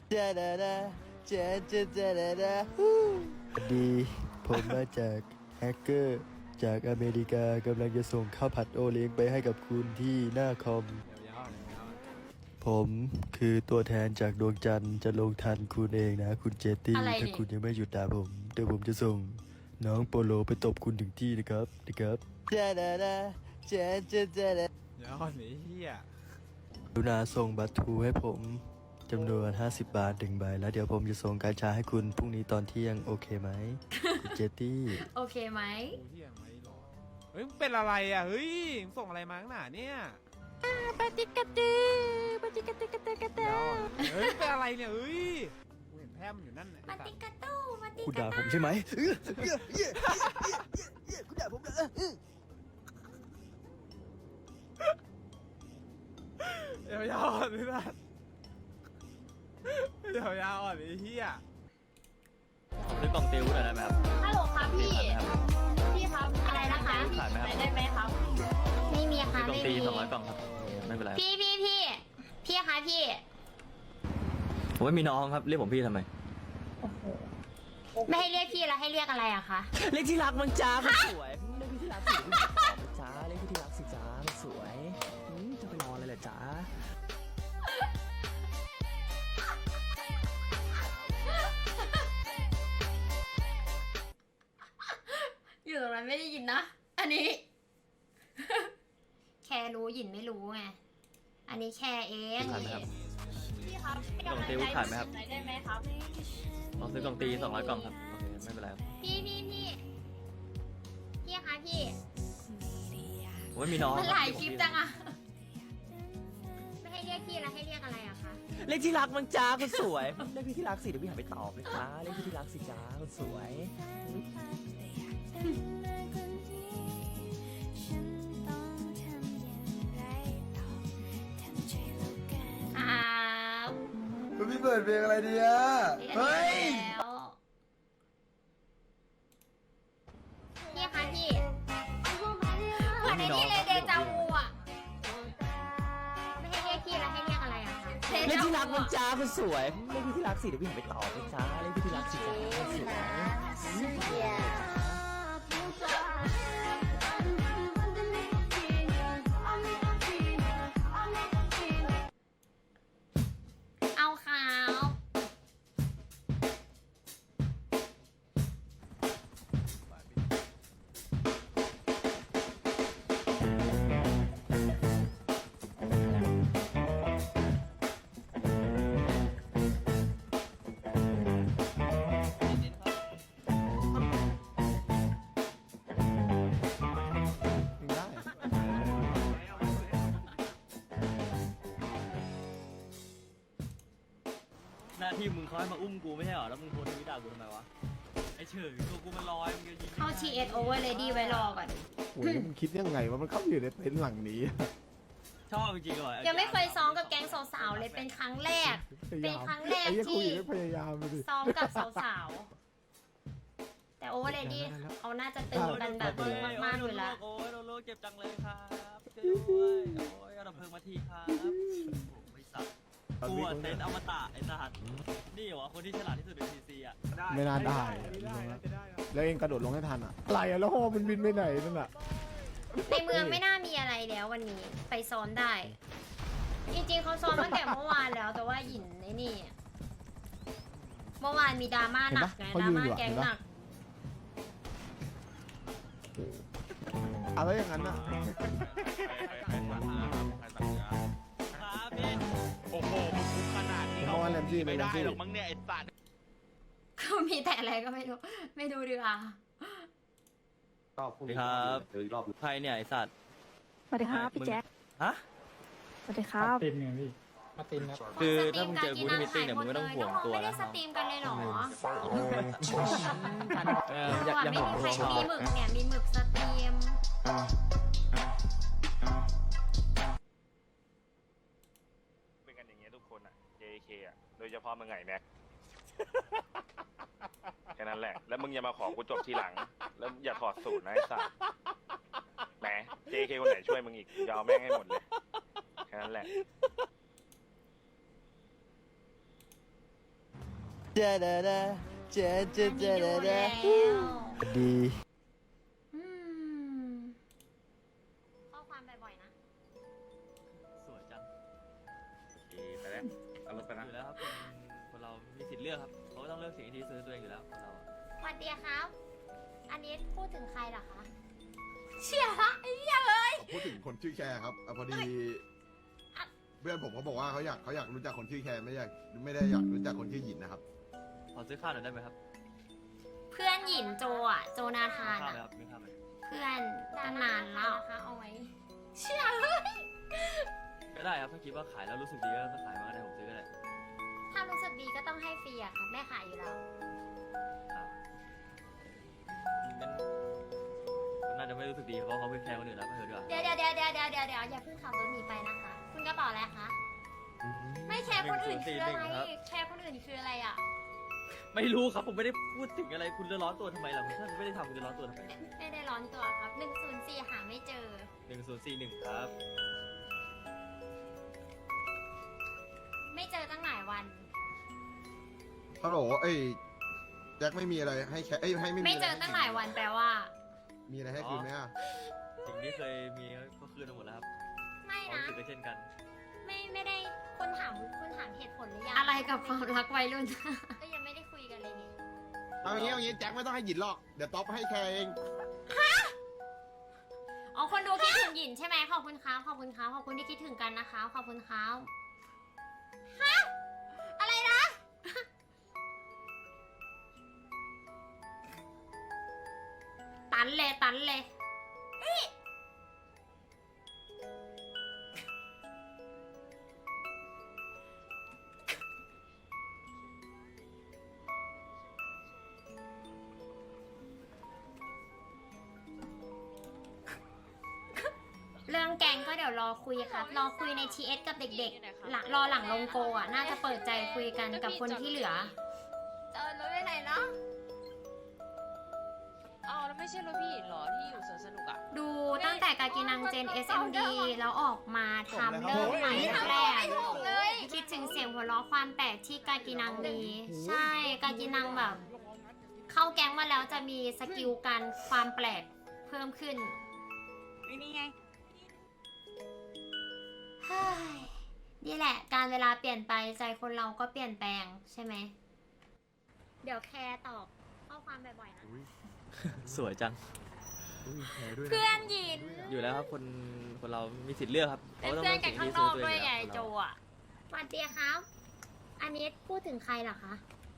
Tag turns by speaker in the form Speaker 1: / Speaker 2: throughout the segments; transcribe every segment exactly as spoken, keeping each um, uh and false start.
Speaker 1: ดาดาดาเจเจเจดาดาฮู้ดีผมมาจากแฮกเกอร์จากอเมริกากำลังจะส่งข้าวผัดโอเลี้ยงไปให้กับคุณที่หน้าคอม ผมคือตัวแทนจากดวงจันทร์จะลงทันคุณเองนะคุณเจตตี้
Speaker 2: อะไร
Speaker 1: ถ้า
Speaker 2: นี่
Speaker 1: คุณยังไม่หยุดด่าผมเดี๋ยวผมจะส่งน้องโปโลไปตบคุณถึงที่นะครับนะครับดาดาดาเจเจเจดา
Speaker 3: เดี๋ยวก่อนไอ้เหี้ย
Speaker 1: กรุณาส่งบัตรทูให้ผมจำนวนห้าสิบบาทหนึ่งใบแล้วเดี๋ยวผมจะส่งการชาให้คุณพรุ่งนี้ตอนเที่ยงโอเคไหม คุณเจตตี้
Speaker 2: โอเคไหม
Speaker 3: กูเหี้ยไม่รอเฮ้ยมึงเป็นอะไรอ่ะเฮ้ยมึงส่งอะไรมาข้างหน้าเนี่ย
Speaker 2: ปฏิกตือปฏิกตือกตือกตื
Speaker 3: เดี๋ยว
Speaker 2: อ
Speaker 3: เฮ้ยเป็นอะไรเนี่ยเฮ้ยกูเห็นแพร่มอยู่นั่นน่ะ
Speaker 2: ปฏิกตูปฏิ
Speaker 1: คุณ
Speaker 2: ก
Speaker 1: ด่าผมใช่ไหมเออเย้เย้เย้เย้คุณด่าผมเหรอเออ
Speaker 3: เดี๋ยวยาวอ่อนนี่นะเดี๋ยวยาวอ่อนไอ้เหี้ย
Speaker 4: ซื้อกล่องติวหน่อยได้ไหมครับ
Speaker 2: ฮัลโหลครับพี่
Speaker 4: ขายไหมครับ
Speaker 2: พี่ครับอะไรนะคะ
Speaker 4: ขายไหมครับ
Speaker 2: ได้ไหมครับ ไม่มี
Speaker 4: ซื้
Speaker 2: ค่ะ
Speaker 4: อกล่อง
Speaker 2: ไม่
Speaker 4: ตี
Speaker 2: มี
Speaker 4: สองร้อยกล่องครับไม่เป็นไรครับ
Speaker 2: พี่พี่พี่พี่คะพี่
Speaker 4: ผมไม่มีน้องครับเรียกผมพี่ทำไม
Speaker 2: ไม่ให้เรียกพี่แล้วให้เรียกอะไรอะคะ
Speaker 4: เรียกที่รักมันจ้ามันสวยเรียกพี่ที่รักสิพี่ตอบจ้าเรียกพี่ที่รักสิจ้ามันสวยอืมจะไปนอนเลยเหรอจ้า
Speaker 2: อยู่ตรงนั้นไม่ได้ยินนะ อันนี้ แค่รู้หยินไม่รู้ไง อันนี้แค่เอง
Speaker 4: ขายไหมครับ
Speaker 2: พี่ครับ
Speaker 4: กล่องติวขายไหมครับ
Speaker 2: ได้ไหมครับ
Speaker 4: ลองซื้อกล่องตีสองร้อยกล่องครับโอเคไม่เป็นไรครับ
Speaker 2: พี่พี่พี่พี่คะพี่
Speaker 4: ผมไม่มีน้อง
Speaker 2: มันหลายคลิปจังอะไม่ให้เรียกพี่แล้วให้เรียกอะไรอะคะ
Speaker 4: เรียกที่รักมันจ้าคนสวยเรียกพี่ที่รักสิเดี๋ยวพี่หันไปตอบเลยจ้าเรียกพี่ที่รักสิจ้าคนสวย
Speaker 2: ครับ
Speaker 1: พี่เปิดเพลงอะไรดีอ่ะเฮ้ย
Speaker 2: แล้วพี่คะพี่เหมือนในนี่เลยเดจาวูอะไม่ให้เรียกพี่แล้วให้เรียกอะไรอะคะ
Speaker 4: เรียกที่รักมันจ้าคนสวยเรียกพี่ที่รักสิเดี๋ยวพี่หันไปตอบเลยจ้าเรียกพี่ที่รักสิจ้าคนสวย
Speaker 2: เอาขาว
Speaker 4: หน้าที่มึงเขาให้มาอุ้มกูไม่ใช่เหรอแล้วมึงโพสต์ทวิตด่ากูทำไมวะไอเฉยตัวกูมันลอยมึงจะยิง
Speaker 2: เข้า ที เอส over ready ไว้รอก่อน
Speaker 5: โอ้ยมึงคิดยังไงว่ามันเข้าไปอยู่ในเต็นท์หลังนี้
Speaker 4: ชอบจริงๆเหรอ
Speaker 2: ยังไม่เคยซ้อมกับแก๊งสาวๆเลยเป็นครั้งแรก เป็นครั้งแรก
Speaker 5: ไอ้เหี้ยคุ
Speaker 2: ที่
Speaker 5: ยไม่พยายามเลยดิ
Speaker 2: ซ้อมกับสาวๆ แต่ over ready เขาน่าจะตื่นกันแบบมึงมากๆอยู่แล้ว
Speaker 4: โอ้ยโดนโลกเจ็บจังเลยครับช่วยด้วยโอ้ยเอาดับเพลิงมาทีครับโอ้ไอ้สัตว์กูอะเต้นอมตะไอ้สัตว์นี่เหรอคนที่ฉลาดที่สุดในทีซีอ่ะ
Speaker 5: ไม่น่าได้ แล้วเองกระโดดลงให้ทันอ่ะอะไรอ่ะแล้วฮอมันบินไปไหนนั่นอ่ะ
Speaker 2: ในเมืองไม่น่ามีอะไรแล้ววันนี้ไปซ้อมได้ จริงๆเขาซ้อมตั้งแต่เมื่อวานแล้ว แต่ว่าหยินไอ้นี่ เมื่อวานมีดราม่าหนักไงดราม่าแก๊งหนัก
Speaker 5: อะไรอย่างนั้นอ่ะ
Speaker 4: ครับพี่
Speaker 6: โอ้โหมึงคุกขนาดนี้
Speaker 5: เมื่อวานแรมซี่
Speaker 6: ไม่ได้
Speaker 5: แรมซี่
Speaker 6: หรอกมั้งเนี่ยไอ้สัตว์
Speaker 2: ก็มีแต่อะไรก็ไม่รู้ ไม่ดูดีกว่า
Speaker 4: สวัสดีครับใครเนี่ยไอ้สัตว์
Speaker 7: สวัสดีครับพี่แจ็ค
Speaker 4: ฮะ
Speaker 7: สวัสดีครับ
Speaker 3: ตินไงพี่มาตินครับ
Speaker 4: คือถ้ามึงเจอกูที่มิตติ้งเนี่ยมึงไม่ต้องห่วงตัว
Speaker 2: ไม่ได้
Speaker 4: นะ
Speaker 2: สตรีมกันเลยเหรอ
Speaker 4: เอออย่าอย่า
Speaker 2: ไม่
Speaker 4: ห่วง
Speaker 2: มี
Speaker 4: ตัว
Speaker 2: ใคร
Speaker 4: พอ
Speaker 2: มีหมึกเนี่ย มีหมึกสตรีม
Speaker 6: เป็นกันอย่างเงี้ยทุกคนอ่ะ เจ เค อ่ะ โดยเฉพาะมึงไงแม็ก แค่นั้นแหละ แล้วมึงอย่ามาขอกูจบทีหลัง แล้วอย่าถอดสูตรนะไอ้สัตว์แหม เจ เค คนไหนช่วยมึงอีกยาวแม่งให้หมดเลย แค่นั้นแหละ
Speaker 1: จาดาดาเจเจ
Speaker 2: อัน
Speaker 1: เจ
Speaker 2: นี้ดู
Speaker 1: ดา
Speaker 2: แล้
Speaker 1: ดาว ดี
Speaker 2: อืมข้อความบ่อยๆนะ
Speaker 4: สวยจัง
Speaker 6: โอเคไปแล้วเอารถไปนะ
Speaker 4: อยู่แล้วครับคนคนเรามีสิทธิ์เลือกครับเขาก็ต้องเลือกสิ่งที่ดีที่สุดให้ตัวเองอยู่แล้วคนเราอะ
Speaker 2: สวัสดีครับ อันนี้พูดถึงใครเหรอคะ เชี่ยละไอ้เหี้ยเลย
Speaker 8: พูดถึงคนชื่อแคร์ครับอ่ะพอดี
Speaker 2: อ่ะ
Speaker 8: เพื่อนผมเขาบอกว่าเขาอยากเขาอยากรู้จักคนชื่อแคร์ไม่อยากไม่ได้อยากรู้จักคนชื่อหยินนะครับ
Speaker 4: ขอซื้อข้าวหน่อยได้ไหมครับ
Speaker 2: เพื่อนหยินโจอ่ะ โจนาธาน
Speaker 4: ข้าวไหม
Speaker 2: อ่ะ
Speaker 4: ครับมีข้าวไหม
Speaker 2: เพื่อนตั้งนานแล้วนะคะเอาไว้ เชี่ยเลย
Speaker 4: ก็ได้ครับถ้าคิดว่าขายแล้วรู้สึกดีก็ขายมาก็ได้ผมซื้อก็ได้
Speaker 2: ถ้ารู้สึกดีก็ต้องให้ฟรีอะค่ะแม่ขายอยู่แล้ว
Speaker 4: ครับงั้นก็น่าจะไม่รู้สึกดีเพราะเขาเป็นแฟนคนอื่นแล้วไม่เถอะดีกว่า
Speaker 2: เดี๋ยวเดี๋ยวเดี๋ยวเดี๋ยวเดี๋ยวเดี๋ยวเดี๋ยวอย่าเพิ่งขับรถหนีไปนะคะ คุณกระเป๋าอะไรคะ ไม่แคร์คนอื่นคืออะไร แคร์คนอื่นคืออะไรอ่ะ
Speaker 4: ไม่รู้ครับผมไม่ได้พูดถึงอะไรคุณจะร้อนตัวทำไมล่ะคุณถ้าคุณไม่ได้ทำคุณจะร้อนตัวทำไม
Speaker 2: ไม่ได้ร้อนตัวครับหนึ่งศูนย์สี่หาไม่เจอ
Speaker 4: หนึ่งศูนย์สี่หนึ่งครับ
Speaker 2: ไม่เจอตั้งหลายวัน
Speaker 8: ฮัลโหลเอ้ยแจ็คไม่มีอะไรให้แคร์เอ้ยให้ไม่มี
Speaker 2: ไม่
Speaker 8: อะไร
Speaker 2: เจอตั้งหลายวันแปลว่า
Speaker 8: มีอะไรให้คืนไหมอ่ะ
Speaker 4: สิ่งที่เคยมีก็คืนมาหมดแล้วครับ
Speaker 2: ไม่
Speaker 4: ความ
Speaker 2: นะ
Speaker 4: รู้สึกก็เช่นกัน
Speaker 2: ไม่ไม่ได้คุณถามคุณถามเหตุผลหรือยัง อะไรกับความรักวัยรุ่น ก็ยังไม่ได้คุยกันเลยนี่
Speaker 8: เอาอย่างงี้เอาอย่างงี้แจ็คไม่ต้องให้หยินหรอกเดี๋ยวต๊อปให้แคร์เอง
Speaker 2: อ๋อคนดูคิดถึงหยินใช่ไหมขอบคุณครับขอบคุณครับขอบคุณที่คิดถึงกันนะคะขอบคุณครับฮะอะไรนะ ตันเลยตันเลยเอ้ยเรื่องแกงก็เดี๋ยวรอคุยครับ รอคุยใน ที เอส กับเด็กๆหลังรอหลังลงโกอ่ะ น่าจะเปิดใจคุยกันกับคนที่เหลือ
Speaker 9: เออรถไปไหนเนาะอ๋อแล้วไม่ใช่รถพี่เหรอที่อยู่สวนสนุกอ่ะ
Speaker 2: ดูตั้งแต่กากินังเจน เอส เอ็ม ดี แล้วออกมาทำเริ่มใหม่แรกๆคิดถึงเสียงหัวเราะความแปลกที่กากินังมี ใช่ กากินังแบบ เข้าแก๊งมาแล้วจะมีสกิลการความแปลกเพิ่มขึ้น
Speaker 9: นี่ไง
Speaker 2: เฮ้ยนี่แหละ การเวลาเปลี่ยนไปใจคนเราก็เปลี่ยนแปลงใช่ไหม เดี๋ยวแคร์ตอบข้อความบ่อยๆนะ
Speaker 4: สวยจัง
Speaker 8: อุ้ยแคร์ด้วยนะ
Speaker 2: เพื่อนหยิน
Speaker 4: อยู่แล้วครับคนคนเรามีสิทธิ์เลือกครับ
Speaker 2: เป็น
Speaker 4: ขาต้
Speaker 2: เพื่อน
Speaker 4: ลื
Speaker 2: กัน
Speaker 4: สิ่
Speaker 2: ข้าง
Speaker 4: ที่
Speaker 2: นอกด้วยไง
Speaker 4: คน
Speaker 2: โจ
Speaker 4: เรา
Speaker 2: อ่ะสวัสดีครับ อันนี้พูดถึงใครเหรอคะ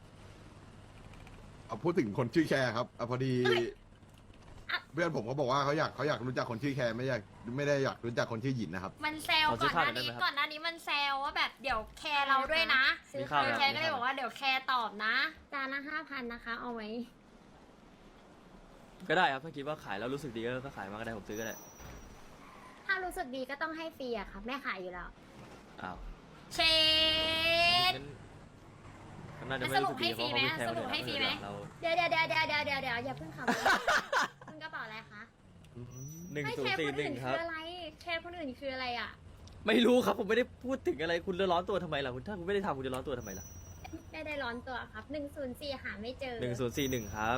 Speaker 8: เอาพูดถึงคนชื่อแคร์ครับอ่ะพอดี เพื่อนผมเขาบอกว่าเขาอยากเขาอยากรู้จักคนชื่อแคร์ไม่อยากไม่ได้อยากรู้จักคนชื่อหยินนะครับ
Speaker 2: มันแซวก่อนหน้านี้ก่อนหน้านี้มันแซวว่าแบบเดี๋ยวแคร์เราด้วยนะ
Speaker 4: มีข้าวไหม
Speaker 2: แคร์ก็เลยบอกว่าเดี๋ยวแคร์ตอบนะจานละห้าพันนะคะ เอาไว้
Speaker 4: ก็ได้ครับถ้าคิดว่าขายแล้วรู้สึกดีก็ขายมาก็ได้ผมซื้อก็ได้
Speaker 2: ถ้ารู้สึกดีก็ต้องให้ฟรีอะค่ะแม่ขายอยู่แล้ว
Speaker 4: อ้าว
Speaker 2: เชด
Speaker 4: งั้นก็น่าจะไม่รู้สึกดีเพราะเขาเป็นแฟนคนอื่น
Speaker 2: สรุปให้ฟรีไหม
Speaker 4: เรา
Speaker 2: เดี๋ยวเดี๋ยวเดี๋ยวเดี๋ยวเดี๋ยวเดี๋ยวเดี๋ยวอย่าเพิ่งขับรถ คุณกระเป๋าอะไรคะ
Speaker 4: หนึ่ง
Speaker 2: ไม่
Speaker 4: ศู
Speaker 2: แคน
Speaker 4: ย์
Speaker 2: ร์
Speaker 4: สี่
Speaker 2: คน
Speaker 4: หนึ่
Speaker 2: อื่
Speaker 4: ง
Speaker 2: น
Speaker 4: ค
Speaker 2: คื
Speaker 4: รับ
Speaker 2: ออะไร แคร์คนอื่นคืออะไรอะ
Speaker 4: ไม่รู้ครับผมไม่ได้พูดถึงอะไรคุณจะร้อนตัวทำไมล่ะคุณถ้าคุณไม่ได้ทำคุณจะร้อนตัวทำไมล่ะ
Speaker 2: ไม่ได้ร้อนตัวครับหนึ่งศูนย์สี่หาไม่เจอ
Speaker 4: หนึ่งศูนย์สี่หนึ่งครับ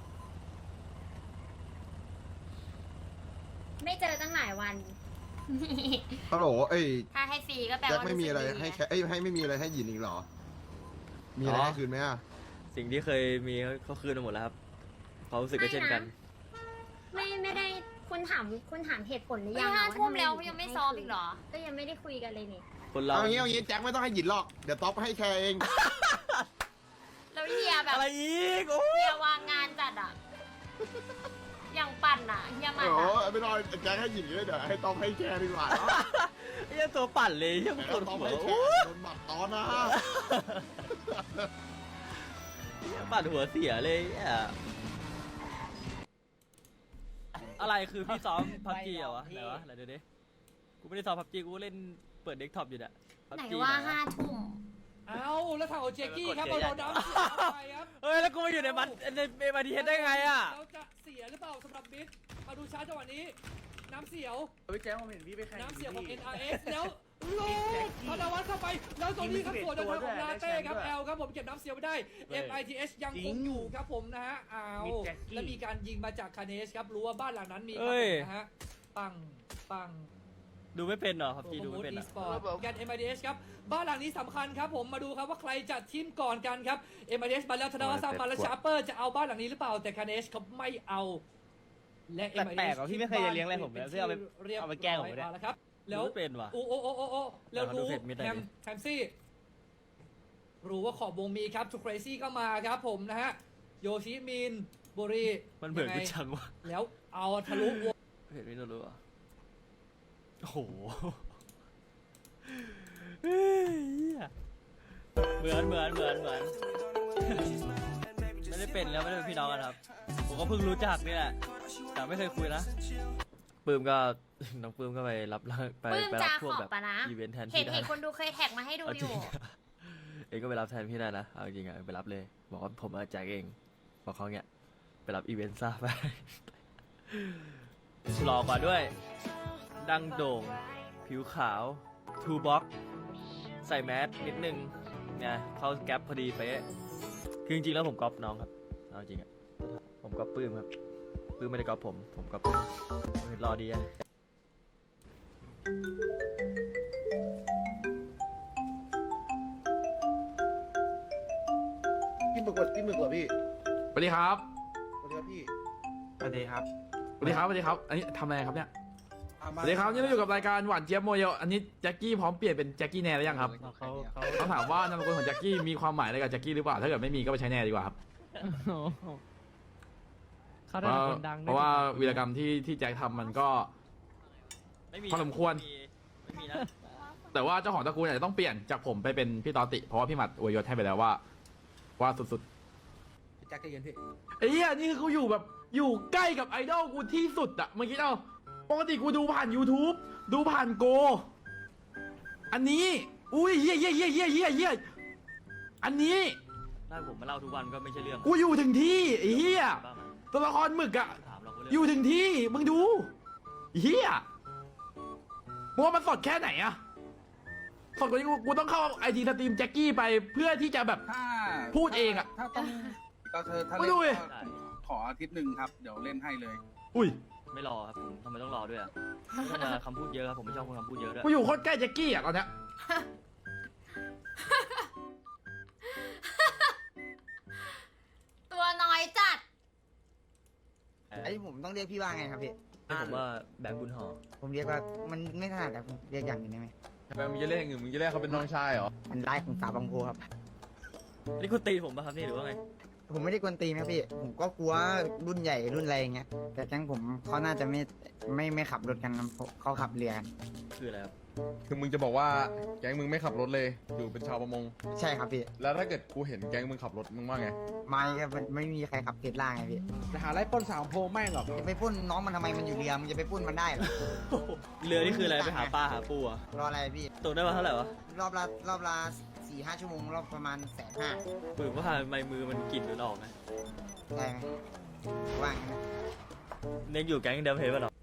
Speaker 2: ไม่เจอตั้งหลายวัน
Speaker 8: ฮัลโหลเอ้ย
Speaker 2: ถ้าให้ฟรีก็แปล
Speaker 8: แจ็ค
Speaker 2: ว่า
Speaker 8: ไม่มีอะไร
Speaker 2: สึกดี
Speaker 8: ให้แคร์เอ้ยให้ไม่มีอะไรให้หยินอีกเหรอ มีอะไรให้คืนไหมอ่ะ
Speaker 4: สิ่งที่เคยมีเขาคืนมาหมดแล้วครับความรู้สึกก็เช่นกัน
Speaker 2: ไม่ไม่ได้คุณถามคุณถามเหตุผลหรือยังห้าทุ่มแล้วยังไม่ซ้อมอีกเหรอ ก็ยังไม่ได้คุยกันเลยนี่
Speaker 4: คนเรา
Speaker 8: เอาอย่างงี้เอาอย่างงี้แจ็คไม่ต้องให้หยินหรอกเดี๋ยวต๊อปให้แคร์เอง
Speaker 2: แล้วเฮียแบบ
Speaker 4: อะไรอีกโอ้
Speaker 2: เฮียวางงานจัดอ่ะ อย่างปั่นอ่ะเฮียมัน
Speaker 8: โอ้
Speaker 2: อ่ะ
Speaker 8: ไม่ต้องแจ็คให้หยินเลยเดี๋ยวให้ต๊อปให้แคร์ดีกว่าเนาะ
Speaker 4: ไอ้ตัวปั่นเลยยัง
Speaker 8: แต่
Speaker 4: ปวด
Speaker 8: ต๊อป
Speaker 4: หัว
Speaker 8: ให้แค
Speaker 4: โอ้
Speaker 8: ร์โดนบัตรตอนนะ
Speaker 4: ปั่นหัวเสียเลยอ่ะอะไรคือพี่ซ้อมพับจีเหรอวะไหนวะไหนดูดิกูไม่ได้ซ้อมพับจีกูเล่นเปิดเดสก์ท็อปอยู่เนี่ย
Speaker 2: ไหนว่าห้าทุ่ม
Speaker 3: เอาแล้วทางของเจกี้ครับเราโดนน้ำเสียไปครับ
Speaker 4: เฮ้ยแล้วกูมาอยู่ในมันในเอมาดีเฮดได้ไงอ่ะ
Speaker 3: เราจะเสียหรือเปล่าสำหรับมิดมาดูชาร์จจังหวะนี้ น้ำเสียว
Speaker 10: พี่แจ๊คผมเห็นพี่ไปแข่ง
Speaker 3: น้ำเสียวของ เอ็น อาร์ เอส แล้ว
Speaker 10: โลดธนวัฒน์เข้าไปแล้วตรงนี้ครับส่วนทางของลาเต้ครับแอลครับผมเก็บน้ำเสียไม่ได้ เอ็ม ไอ ที เอส ยังคงอยู่ครับผมนะฮะอ้าวแล้วมีการยิงมาจากคาเนสครับรู้ว่าบ้านหลังนั้นมีครับผมนะฮะปังปัง
Speaker 4: ดูไม่เป็นเหรอครับพี่ดูไม่เป็น
Speaker 10: อี
Speaker 4: อ่ะ
Speaker 10: สปอร์ตกัน เอ็ม ไอ ที เอส ครับบ้านหลังนี้สำคัญครับผมมาดูครับว่าใครจะทีมก่อนกันครับ เอ็ม ไอ ที เอส มาแล้วธนวัฒน์สร้างมาแล้วชาร์เปอร์จะเอาบ้านหลังนี้หรือเปล่าแต่คาเนสเขาไม่เอาและ เอ็ม ไอ ที เอส
Speaker 4: แปลกๆว่ะพี่ไม่เคยจะเลี้ยงอะไรผมเลยเพื่อเอาไปเอาไปแกล้งผมเนี่ย
Speaker 10: แล้วครับแล้ว
Speaker 4: ดูไม่เป็นว่ะ
Speaker 10: โอ้โอ้โอ้โอ้โอ้แล้ว
Speaker 4: เอามาดู
Speaker 10: รู้
Speaker 4: เพจมิดหน่อย
Speaker 10: แฮม
Speaker 4: ดิ
Speaker 10: แฮมซี่รู้ว่าขอบวงมีครับทูเครซี่ก็มาครับผมนะฮะโยชิมินบุรี
Speaker 4: มันเหมือน
Speaker 10: ยัง
Speaker 4: กู
Speaker 10: ไง
Speaker 4: จังวะ
Speaker 10: แล้วเอาทะลุวง
Speaker 4: เห็นไม่รู้อ่ะโอ้โหเหมือนเหมือนเหมือนเหมือนไม่ได้เป็นแล้วไม่ได้เป็นพี่น้องกันครับผมก็เพิ่งรู้จักนี่แหละแต่ไม่เคยคุยนะปื้มก็ น้องปื้มก็ไปรับไป
Speaker 2: ปลื้ม
Speaker 4: ไป
Speaker 2: จา
Speaker 4: รับพ
Speaker 2: ข
Speaker 4: วก
Speaker 2: อบ
Speaker 4: แบบ
Speaker 2: ปะนะ
Speaker 4: อีเวนต์แทน
Speaker 2: เห็น
Speaker 4: พี่ได้
Speaker 2: เห็นคนดูเคยแท็กมาให้ดู
Speaker 4: เอา
Speaker 2: อ
Speaker 4: จริ
Speaker 2: ยู่
Speaker 4: งเองก็ไปรับแทนพี่ได้นะเอาจริงอะไปรับเลยบอกว่าผมมาแจกเองบอกเขาเนี้ยไปรับอีเวนต์ซ่าไป หล่อกว่าด้วย ดังโด่ง ผิวขาวทูบ็อกใส่แมสนิดนึงเนี่ยเข้าแก๊ปพอดีเป๊ะคือจริงๆแล้วผมก๊อปน้องครับเอาจริงอะผมก๊อปปื้มครับปื้มไม่ได้ก๊อปผมผมก๊อปปื้มรอดีอะ
Speaker 5: กินหมึกกว่ากินหมึกกว่าพี่
Speaker 11: สวัสดีครับ
Speaker 5: สวัสดีครับพี่
Speaker 11: สวัสดีครับ สวัสดีครับ สวัสดีครับ อันนี้ทำอะไรครับเนี่ย สวัสดีครับนี่เราอยู่กับรายการหวานเจี๊ยบโมเดลอันนี้แจ็คกี้พร้อมเปลี่ยนเป็นแจ็คกี้แนร์หรือยังครับ
Speaker 5: เขาเขา
Speaker 11: ต้องถามว่านามสกุลของแจ็คกี้มีความหมายอะไรกับแจ็คกี้หรือเปล่า ถ้าเกิดไม่มีก็ไปใช้แนร์ดีกว่าครับ
Speaker 12: เขา
Speaker 11: เพ
Speaker 12: ได้
Speaker 11: ราะ
Speaker 12: คนดัง
Speaker 11: เพราะว่าวีรกรรมที่ที่แจ็คทำมันก็
Speaker 4: ไม่มี
Speaker 11: พอสมควร
Speaker 4: ไม่มีนะ
Speaker 11: แต่ว่าเจ้าของตระกูลอาจจะต้องเปลี่ยนจากผมไปเป็นพี่ตอติ เพราะว่าพี่หมัดอวยยศให้ไปแล้วว่า ว่าสุด
Speaker 5: แจ็คใจเย็นพี่
Speaker 11: ๆไอ้เหี้ยนี่คือกูอยู่แบบอยู่ใกล้กับไอดอลกูที่สุดอะเมื่อกี้เอาปกติกูดูผ่าน YouTube ดูผ่านโก อันนี้ อุ้ยเฮียเฮียเฮียเฮียเฮียเฮียอันนี้
Speaker 4: ถ้าผมมาเล่าทุกวันก็ไม่ใช่เรื่อง
Speaker 11: กูอยู่ถึงที่ไอ้เฮีย
Speaker 4: บ้างไหม
Speaker 11: ตัวละครหมึกอะ
Speaker 4: ถามเราก็เรื่อง
Speaker 11: อยู่ถึงที่ มึงดูเฮียมึงว่ามันสดแค่ไหนอะสดกว่านี้กูกูต้องเข้าไอจีสตรีมแจ็คกี้ไปเพื่อที่จะแบบ
Speaker 12: ถ้า
Speaker 11: พูดเองอะ
Speaker 12: ถ้าต้องก็เธอถ้า
Speaker 11: ไม่
Speaker 12: เล่น
Speaker 11: ดูดิ
Speaker 12: ก็ขออาทิตย์หนึ่งครับ เดี๋ยวเล่นให้เลย
Speaker 11: อุ้ย
Speaker 4: ไม่รอครับผมทำไมต้องรอด้วยอ่ะไม่ต้องมาคำพูดเยอะครับผมไม่ชอบคนคำพูดเยอะด้วย
Speaker 11: กูอยู่โคตรใกล้แจ็คกี้อะตอนเนี้ย
Speaker 2: ตัวน้อยจัด
Speaker 4: ไอ้
Speaker 12: ผมต้องเรียกพี่ว่าไงครับพี่
Speaker 4: ผมว่าแบงค์บุญห่อ
Speaker 12: ผมเรียกว่ามันไม่ถนัดแต่ผมเรียกอย่างนี้ได้ไหม
Speaker 11: ทำไมมึงจะเรียกอย่างอื่นมึงจะเรียกเขาเป็นน้องชายเหรอ
Speaker 12: มันไล่ของสาวบางโพครับ
Speaker 4: นี่คุณตีผมป่ะครับนี่หรือว่าไง
Speaker 12: ผมไม่ได้กวนตีนครับพี่ ผมก็กลัวรุ่นใหญ่รุ่นอะไรอย่างเงี้ย แต่แก๊งผมเขาน่าจะไม่ไม่ไม่ขับรถกันนะเขาขับเรือกัน
Speaker 4: คืออะไรครับ
Speaker 11: คือมึงจะบอกว่าแก๊งมึงไม่ขับรถเลย อยู่เป็นชาวประมง
Speaker 12: ใช่ครับพี่
Speaker 11: แล้วถ้าเกิดกูเห็นแก๊งมึงขับรถมึงว่าไง
Speaker 12: ไม่ครับมันไม่มีใครขับเทสลาไงพี่
Speaker 5: จะหาไล่ปล้นสาวโพแม่งหรอก
Speaker 12: จะไปปล้นน้องมันทำไมมันอยู่เรือมึงจะไปปล้นมันได้เหรอ
Speaker 4: เรือนี่คืออะไรไปหาปลาหาปูอ่ะ
Speaker 12: รออะไรพี่
Speaker 4: ตกได้มาเท่าไหร่วะ
Speaker 12: รอบละรอบละสี่ห้าชั่วโมงรอบประมาณแสนห้า
Speaker 4: ปืนว่าทำไมมือมันกลิ่นหรือออกไหม
Speaker 12: ได้ไหมว่างั้นนะ
Speaker 4: เน็กอยู่แก๊งเดิมเพลป่ะหรอ